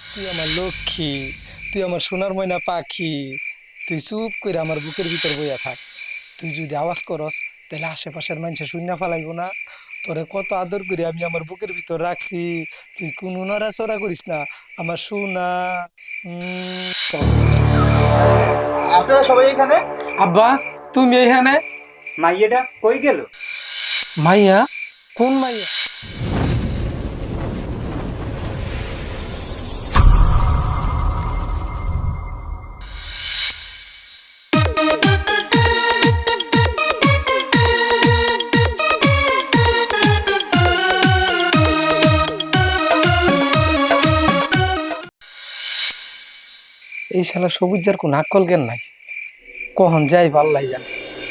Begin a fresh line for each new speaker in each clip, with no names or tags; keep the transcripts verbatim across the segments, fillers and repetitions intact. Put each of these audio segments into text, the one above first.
তুই আমার লক্ষ্মী, তুই আমার সোনার ময়না পাখি। তুই চুপ করে আমার বুকের ভিতর বইয়া থাক। তুই যদি আওয়াজ করস তাহলে আশেপাশের মানুষে শূন্য ফালাইব না। তোরে কত আদর করে আমি আমার বুকের ভিতর রাখছি। তুই কোনো নড়াচড়া করিস না আমার সোনা। উম,
আপনারা সবাই এখানে?
আব্বা, তুমি এইখানে?
মাইয়েটা কই গেল?
মাইয়া? কোন মাইয়া? এই শালা সবুজের কোন আকল জ্ঞান নাই, কখন যাই পাল্লাই জানে।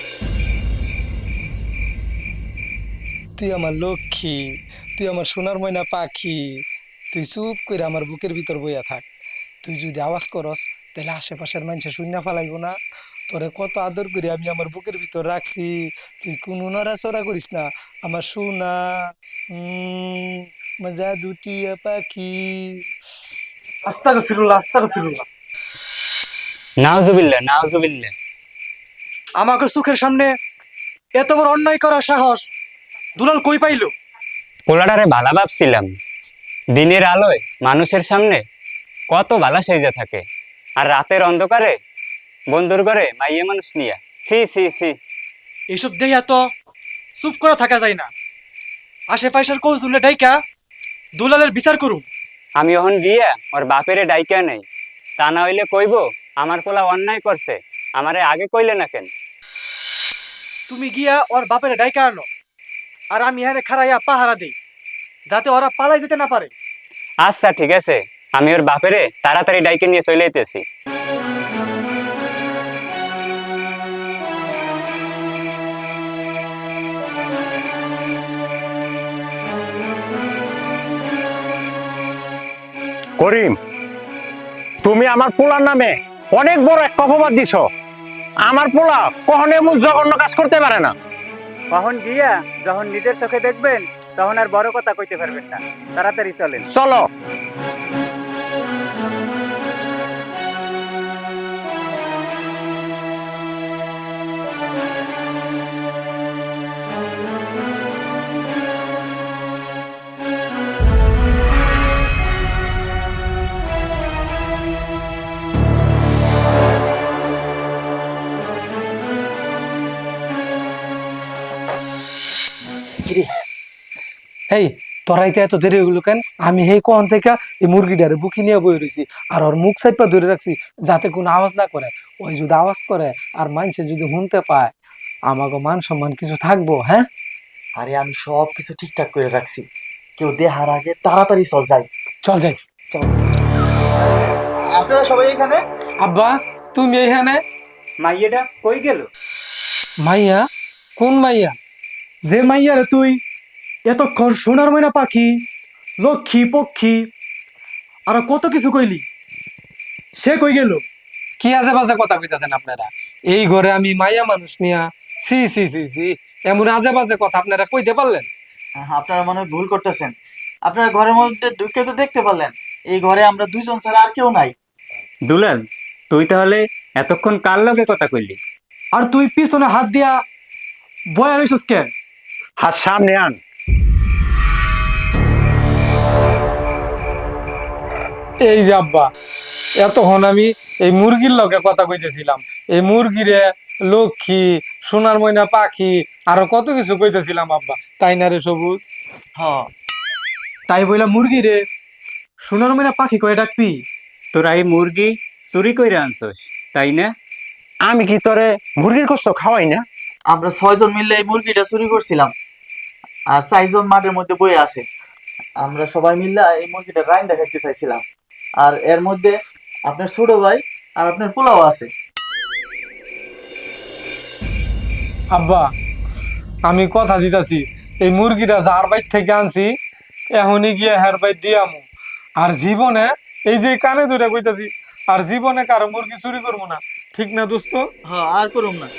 তুই আমার লক্ষ্মী, তুই আমার সোনার ময়না পাখি। তুই চুপ করে আমার বুকের ভিতর বইয়া থাক। তুই যদি আওয়াজ করস তাহলে আশেপাশের মানুষে শূন্য ফালাইব না। তোরে কত আদর করে আমি আমার বুকের ভিতর রাখছি। তুই কোনো নড়াচড়া করিস না আমার সোনা। উম, মজা দুটিয়া পাখি।
আস্তাগো ফিরুল্লাহ, আস্তাগো ফিরুল্লাহ।
নাউজুবিল্লাহ নাউজুবিল্লাহ।
আমাকে চোখের সামনে এত বড় অন্যায় করার সাহস দুলাল কই পাইলো?
পোলাডারে ভালা ভাবছিলাম, দিনের আলোয় মানুষের সামনে কত ভালা সেজে থাকে, আর রাতের অন্ধকারে বন্ধুর ঘরে মাইয়ে মানুষ নিয়া সি সি সি।
এইসব দেয়া তো চুপ করা থাকা যায় না। আশেপাশের কৌশলে ডাইকা দুলালের বিচার করুন।
আমি ওহন গিয়া ওর বাপেরে ডাইকা নেই, তা না হইলে কইব আমার পোলা অন্যায় করছে, আমারে আগে কইলে না কেন?
তুমি গিয়া ওর বাপের ডাইকা আনো, আর আমি এখানে খাড়াইয়া পাহারা দেই, যাতে ওরা পালাই যেতে না পারে।
আচ্ছা ঠিক আছে, আমি ওর বাপেরে তাড়াতাড়ি ডাইকে নিয়ে চলে যেতেছি।
করিম, তুমি আমার পোলার নামে অনেক বড় এক অপবাদ দিছ। আমার পোলা কখনো এমন জঘন্য কাজ করতে পারে না।
কখন গিয়া যখন নিজের চোখে দেখবেন তখন আর বড় কথা কইতে পারবেন না, তাড়াতাড়ি চলেন।
চলো।
এই তোরাইতে এত দেরি হইলো কেন? আমি সেই কখন থেকে এই মুরগিটারে বুকি নিয়ে বই রয়েছি, আর ওর মুখ সাইপা ধরে রাখছি যাতে কোনো আওয়াজ না করে। ওই যদি আওয়াজ করে আর মানুষে যদি শুনতে পায়, আমাকে মান সম্মান কিছু থাকবো? হ্যাঁ,
আরে আমি সব কিছু ঠিকঠাক করে রাখছি, কেউ দেহার আগে তাড়াতাড়ি চল যাই।
চল যাই।
চল। আপনারা সবাই এখানে?
আব্বা, তুমি এইখানে?
মাইয়েটা কই গেল?
মাইয়া? কোন মাইয়া?
যে মাইয়ারে তুই এতক্ষণ সোনার ময়না পাখি, লক্ষ্মী পক্ষী আর কত কিছু কইলি, সে কই গেল?
কি আজে বাজে কথা কইতাছেন আপনারা? এই ঘরে আমি মাইয়া মানুষ নিয়া সি সি সি সি এমন আজে বাজে কথা আপনারা কইতে পারলেন?
আপনারা মনে হয় ভুল করতেছেন। আপনারা ঘরের মধ্যে ঢুকে তো দেখতে পারলেন, এই ঘরে আমরা দুইজন ছাড়া আর কেউ নাই।
দুলাল, তুই তাহলে এতক্ষণ কার লগে কথা কইলি?
আর তুই পিছনে হাত দিয়া বয়া রইছস কেন?
হাত সামনে আন।
এই যে আব্বা, এতক্ষণ আমি এই মুরগির লগে কথা কইতেছিলাম। এই মুরগিরে লক্ষ্মী, সোনার ময়না পাখি, আরো কত কিছু কইতেছিলাম আব্বা, তাই না রে সবুজ?
হ,
তাই বইলা মুরগি রে সোনার ময়না পাখি কয়ে ডাকবি?
তোরা এই মুরগি চুরি কইরা আনছস, তাই না?
আমি কি তোরে মুরগির গোস্ত খাওয়াই না?
আমরা ছয়জন মিলে এই মুরগিটা চুরি করছিলাম, আর চারজন মাঠের মধ্যে বয়ে আছে। আমরা সবাই মিলে এই মুরগিটা রাইন দেখাইতে চাইছিলাম, আর এর মধ্যে আপনার ছোট ভাই আর আপনার পোলাও আছে।
আব্বা, আমি কথা দিতাছি, এই মুরগিটা যার বাইর থেকে আনছি এখনই গিয়ে হের বাইর দিয়ামু। আর জীবনে এই যে কানে ধরে কইতাছি, আর জীবনে কারো মুরগি চুরি করবো না, ঠিক না দোস্ত?
হ্যাঁ, আর করুম না।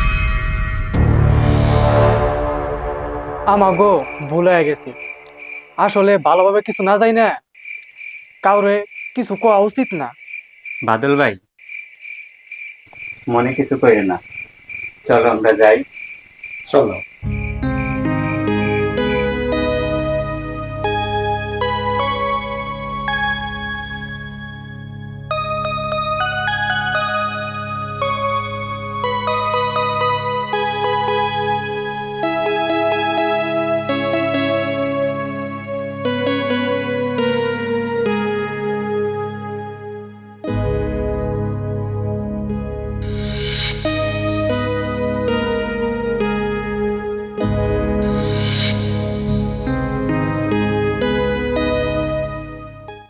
আমাগো ভুল হয়ে গেছি, আসলে ভালোভাবে কিছু না যাই না কাউরে কিছু কোয়া উচিত না।
বাদল ভাই, মনে কিছু করে না, চলো আমরা যাই।
চলো।